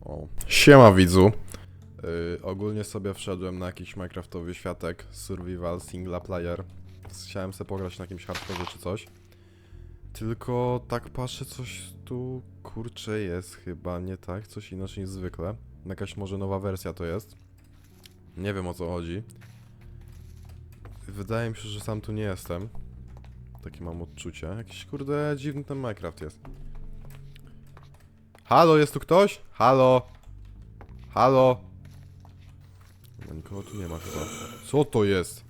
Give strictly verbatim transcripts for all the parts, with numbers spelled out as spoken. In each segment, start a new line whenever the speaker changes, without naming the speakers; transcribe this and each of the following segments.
O. Siema widzu. Yy, ogólnie sobie wszedłem na jakiś minecraftowy światek, survival, single player. Chciałem sobie pograć na jakimś hardcore czy coś. Tylko tak patrzę, coś tu kurczę jest chyba nie tak, coś inaczej niż zwykle. Jakaś może nowa wersja to jest. Nie wiem o co chodzi. Wydaje mi się, że sam tu nie jestem. Takie mam odczucie. Jakiś kurde dziwny ten Minecraft jest. Halo, jest tu ktoś? Halo? Halo? No, nikogo tu nie ma chyba. Co to jest?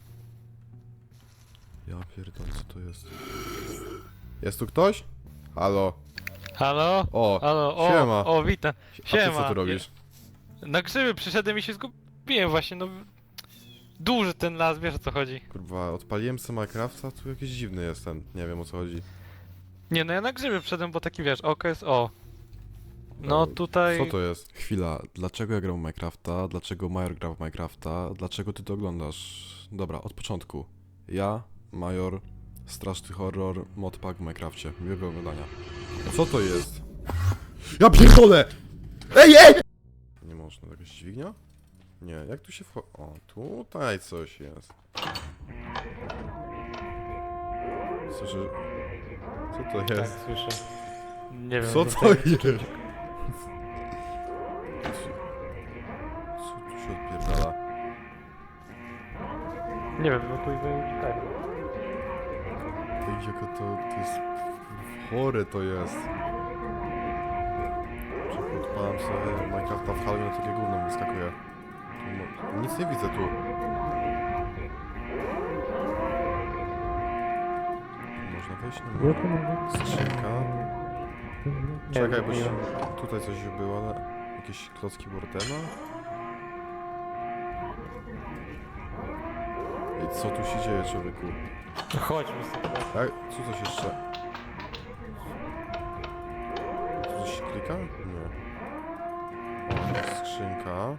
Ja pierdolę, co to jest? Jest tu ktoś? Halo?
Halo?
O,
Halo, o,
siema.
o, witam.
A ty
Siema.
co tu robisz?
Na grzyby przyszedłem i się zgubiłem właśnie, no... Duży ten las, wiesz o co chodzi.
Kurwa, odpaliłem sobie Minecrafta, tu jakiś dziwny jestem. Nie wiem o co chodzi.
Nie, no ja na grzyby przyszedłem, bo taki wiesz, okres, o. No
O,
tutaj...
Co to jest? Chwila, dlaczego ja gram w Minecrafta? Dlaczego Major gra w Minecrafta? Dlaczego ty to oglądasz? Dobra, od początku. Ja, Major, straszny horror, modpack w Minecrafcie. Miłego oglądania. Co to jest? Ja pierdolę! Ej, ej! Nie można, jakaś dźwignia? Nie, jak tu się wchodzi? O, tutaj coś jest. Słyszę... Co to
Tak,
jest?
słyszę. Nie wiem.
Co
no
to
tak-
jest? Co tu się odpierdala?
Nie wiem, no tu uciekaj.
Ej, jaka to, to jest... Chore to jest. Czy odpalam sobie Minecrafta w Halloween, takie gówno mi wyskakuje. Tu mo- Nic nie widzę tu. Można wejść na skrzynka. Czekaj, bo się... tutaj coś było, ale... Jakieś klocki Wardena? Ej, co tu się dzieje, człowieku?
Chodźmy sobie.
Tak? Co coś jeszcze? Tu coś się klika? Nie. O, skrzynka.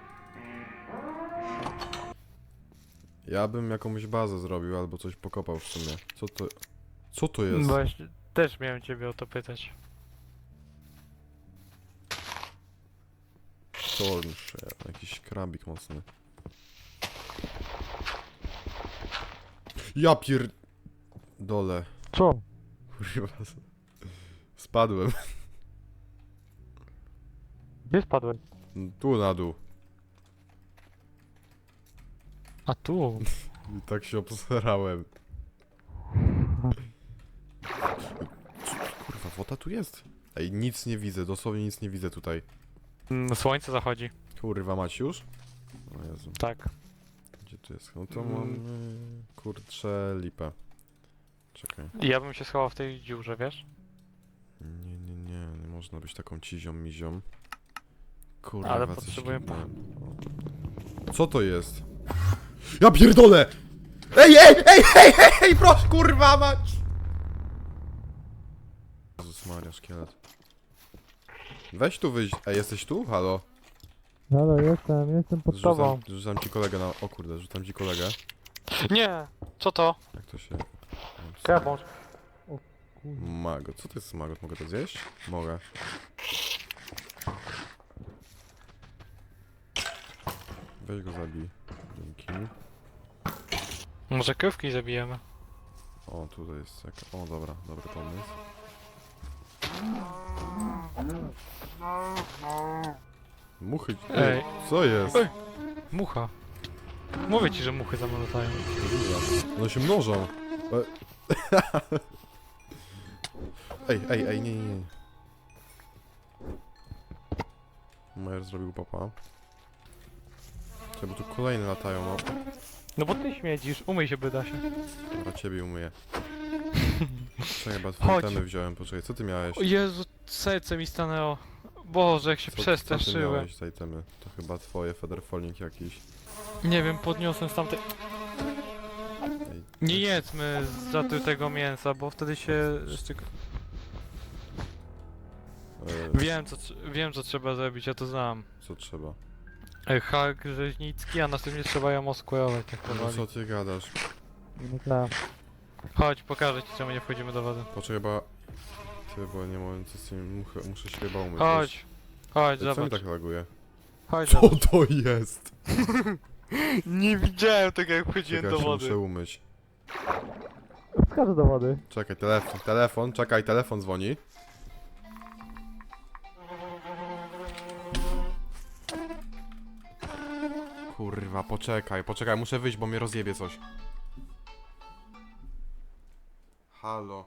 Ja bym jakąś bazę zrobił albo coś pokopał w sumie. Co to... Co to jest?
Właśnie, też miałem ciebie o to pytać.
Thornshare. Jakiś krabik mocny. Ja pier... Dole.
Co?
Kurwa. Spadłem.
Gdzie spadłeś?
Tu na dół.
A tu.
I tak się obsrałem. Kurwa, woda tu jest. Ej, nic nie widzę, dosłownie nic nie widzę tutaj.
Mm, Słońce zachodzi.
Kurwa, macie już? O Jezu,
Tak.
gdzie tu jest? No to
Mm.
mamy... Kurczę, lipę. Czekaj.
Ja bym się schował w tej dziurze, wiesz?
Nie, nie, nie, nie można być taką cizią mizią. Kurwa,
Ale
coś
potrzebuję
nie- o. Co to jest? Ja pierdolę! Ej, ej, ej, ej, ej, ej, proszę, kurwa mać! Jezus Maria, szkielet. Weź tu wyjść. Ej, jesteś tu? Halo?
Halo, jestem, jestem pod tobą.
Rzucam, rzucam ci kolegę na... O kurde, rzucam ci kolegę.
Nie! Co to?
Jak to się...
Kebąż.
Magot. Co to jest magot? Mogę to zjeść? Mogę. Weź go zabij. Dzięki.
Może krówki zabijemy?
O, tutaj jest jaka... O, dobra, dobry pomysł. Muchy... Ej,
Ej.
co jest?
Ej. Mucha. Mówię ci, że muchy za mną latają.
One się mnożą. E- Ej, ej, ej, nie, nie, nie. Majer zrobił papa. Czekaj, bo tu kolejne latają, no.
No bo ty śmiedzisz, umyj się bydasie.
Dobra, ciebie umyję. Czekaj, chyba twoje
Chodź.
temy wziąłem, poczekaj, co ty miałeś?
O Jezu, serce mi stanęło. Boże, jak się
Co, co ty
przestraszyłem.
miałeś za itemy? To chyba twoje featherfalling jakiś.
Nie wiem, podniosłem z tamtej...
Ej,
Nie jedzmy zatrutego mięsa, bo wtedy się... jeszcze-
e,
Wiem co, tr- wiem co trzeba zrobić, ja to znam.
co trzeba?
E, Hak rzeźnicki, a następnie trzeba ją oskłerować tak
No
powoli.
co ty gadasz?
No tak.
Chodź, pokażę ci czemu nie wchodzimy do wody.
Poczekaj, chyba... Ty, bo nie mogę co z tym... Muszę, muszę się chyba umyć.
Chodź. Chodź,
Co mi
zobacz.
tak laguje?
Chodź,
Co
zobacz.
to jest?
Nie widziałem tego, jak wchodziłem
Czekaj,
do
się
wody.
muszę umyć.
Wskażę do wody.
Czekaj, telefon, telefon, czekaj, telefon dzwoni. Kurwa, poczekaj, poczekaj, muszę wyjść, bo mnie rozjebie coś. Halo.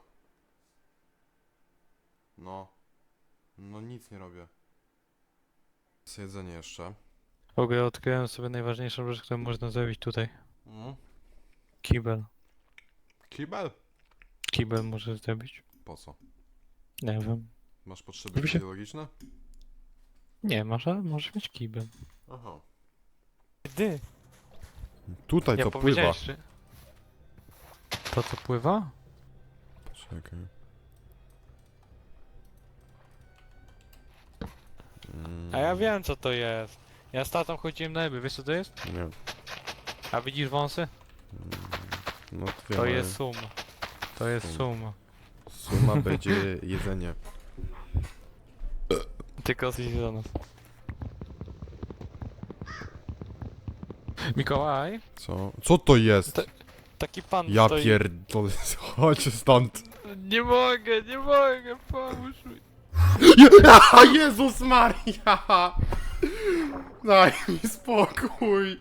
No. No nic nie robię. Jedzenie jeszcze.
W ogóle odkryłem sobie najważniejszą rzecz, którą można zrobić tutaj.
Mm.
Kibel.
Kibel?
Kibel możesz zrobić.
Po co?
Nie wiem.
Masz potrzeby
Żeby się-
fizjologiczne?
Nie masz, ale możesz mieć kibel.
Aha.
Gdy?
Tutaj
Nie
to pływa.
powiedziałeś, czy... To co pływa?
Czekaj. Mm,
A ja wiem co to jest. Ja z tatą chodziłem na ryby, wiesz co to jest?
Nie.
A widzisz wąsy?
No to wiem,
To
ale
jest sum. To jest
Sum.
sum.
Suma będzie jedzenie.
Tylko coś do nas. Mikołaj,
Co? Co to jest?
To- taki pan
Ja
stoi...
pierdolę. Chodź stąd.
Nie mogę, nie mogę, pomóż mi.
A Jezus Maria! Daj mi spokój.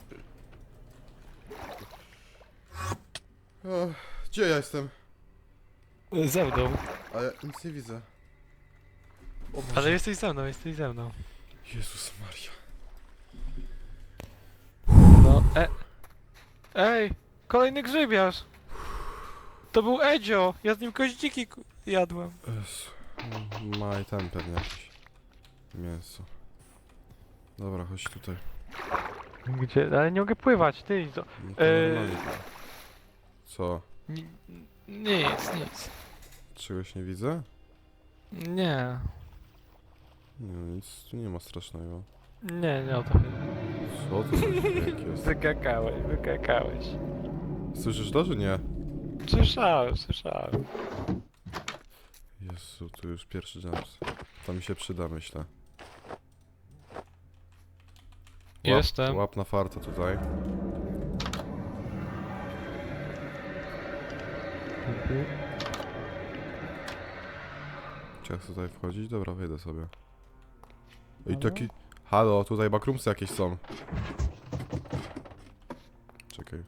Ech, Gdzie ja jestem?
Ze mną.
A ja nic nie widzę. O Boże.
Ale jesteś ze mną, jesteś ze mną.
Jezus Maria.
No, e... Ej, kolejny grzybiarz. To był Edzio, ja z nim koździki ku- jadłem.
Jezu. Ma i ten pewnie jakieś mięso. Dobra, chodź tutaj.
Gdzie? Ale nie mogę pływać, ty. To...
No to
Eee.
normalnie. Co?
Ni- Nic, nic.
Czegoś nie widzę?
Nie.
Nie, no nic tu nie ma strasznego.
Nie, nie o to chodzi.
Co to za dźwięk jest?
Wykakałeś, wykakałeś.
Słyszysz to, czy nie?
Słyszałem, słyszałem.
Jezu, tu już pierwszy jumps. To mi się przyda, myślę. Łap,
Jestem.
Łap na farta tutaj.
Dzięki.
Czy ja chcę tutaj wchodzić? Dobra, wejdę sobie. I
Halo?
taki... Halo, tutaj bakrumsy jakieś są. Czekaj.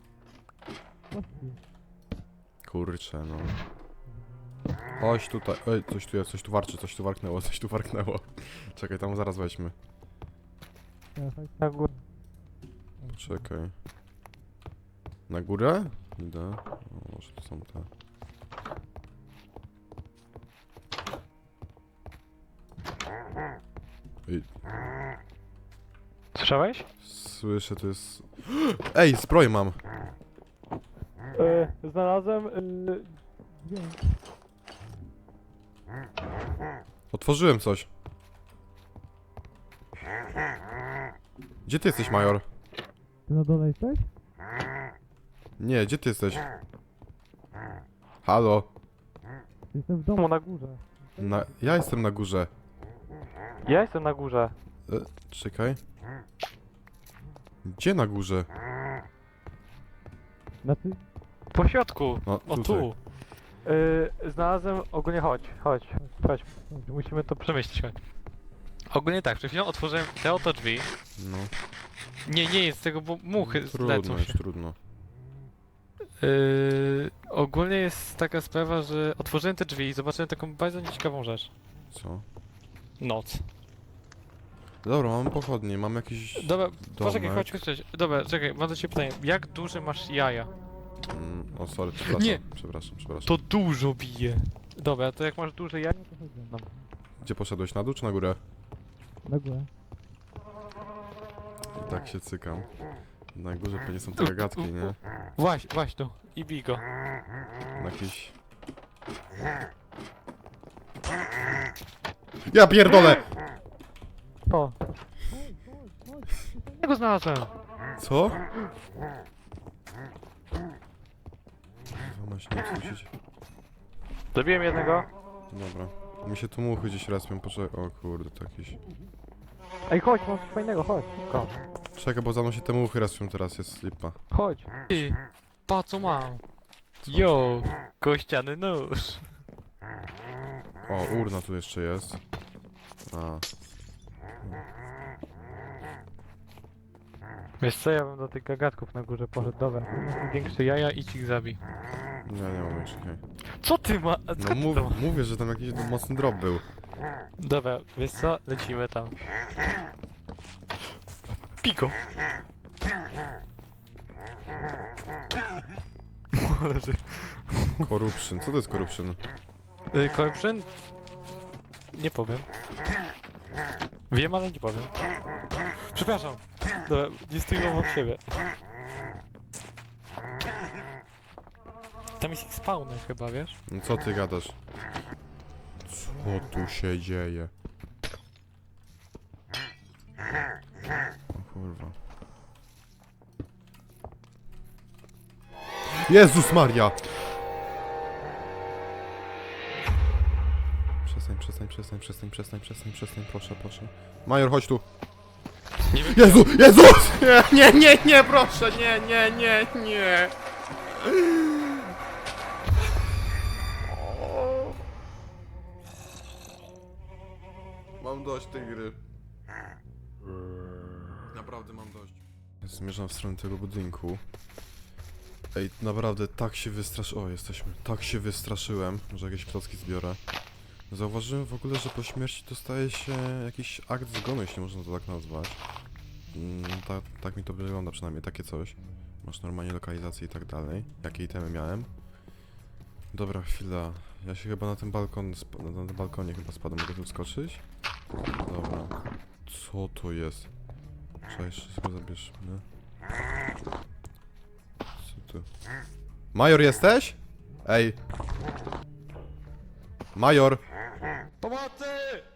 Kurczę, no. Chodź tutaj. Ej, coś tu jest, coś tu warczy, coś tu warknęło, coś tu warknęło. Czekaj, tam zaraz weźmy.
Ja, chodź na górę.
Czekaj. Na górę? Idę. O, może to są te. Ej,
Słyszałeś?
słyszę, to jest... Ej, zbroję mam!
E, znalazłem... E, dźwięk.
Otworzyłem coś. Gdzie ty jesteś, Major?
Ty na dole jesteś?
Nie, gdzie ty jesteś? Halo?
Jestem w domu na górze.
Na... Ja jestem na górze.
Ja jestem na górze.
E, czekaj. Gdzie na górze?
Znaczy...
Po środku.
No,
O
tutaj.
tu. Yy, znalazłem, ogólnie chodź, chodź, chodź, musimy to przemyśleć, chodź. Ogólnie tak, przed chwilą otworzyłem te oto drzwi.
No.
Nie, nie jest tego, bo muchy
Trudno,
zlecą
już
się.
trudno.
Yy, ogólnie jest taka sprawa, że otworzyłem te drzwi i zobaczyłem taką bardzo nieciekawą rzecz.
Co?
Noc.
Dobra, mamy pochodnie, mam jakiś...
Dobra, poczekaj,
domek.
chodź, chodź, chodź. Dobra, czekaj, mam do ciebie pytanie. Jak duże masz jaja?
Mm, o, sorry, przepraszam.
Nie.
Przepraszam, przepraszam.
To dużo bije. Dobra, to jak masz duże jaja, to chodź ze mną.
Gdzie poszedłeś? Na dół czy na górę?
Na górę.
I tak się cykam. Na górze pewnie są te gagatki, nie?
Właź, właź tu i bij go.
Na jakiś... Ja pierdolę!
O. Ja go znalazłem.
Co? Kurwa, ma się nie słyszeć.
Zabiłem jednego.
Dobra. Mi się tu muchy gdzieś respią, poczekaj. O kurde, to jakiś...
Ej, chodź, mam coś fajnego, chodź. Szybko.
Czekaj, bo za mną się te muchy respią teraz, jest lipa.
Chodź.
Ty, pa co mam? Yo, kościany nóż.
O, urna tu jeszcze jest. A,
Wiesz co, ja bym do tych gagatków na górze poszedł, dobra. Większe jaja i ich zabij.
nie, nie mam już, okej.
Co ty ma...
No mów, mówię, że tam jakiś mocny drop był.
Dobra, wiesz co, lecimy tam. Piko!
Corruption, co to jest corruption?
Y, Corruption? Nie powiem. Wiem, ale nie powiem. Przepraszam. Dobra, nie stójmy obok siebie. Tam jest ich spawner chyba, wiesz?
No co ty gadasz? Co tu się dzieje? O kurwa. Jezus Maria! Przestań, przestań, przestań, przestań, przestań, przestań, przestań, proszę, proszę. Major, chodź tu!
Nie wiem.
Jezu, Jezus! Nie, nie, nie, nie, proszę, nie, nie, nie, nie! Mam dość tej gry. Naprawdę mam dość. Zmierzam w stronę tego budynku. Ej, naprawdę tak się wystraszyłem. O, jesteśmy. Tak się wystraszyłem, że jakieś klocki zbiorę. Zauważyłem w ogóle, że po śmierci dostaje się jakiś akt zgonu, jeśli można to tak nazwać. Mm, ta, tak mi to wygląda, przynajmniej takie coś. Masz normalnie lokalizację i tak dalej. Jakie itemy miałem. Dobra, chwila. Ja się chyba na ten balkon, sp- na tym balkonie chyba spadłem. Mogę tu wskoczyć? Dobra. Co to jest? Cześć, wszystko zabierzmy. Co tu? Major jesteś? Ej. Major!
Pomocy!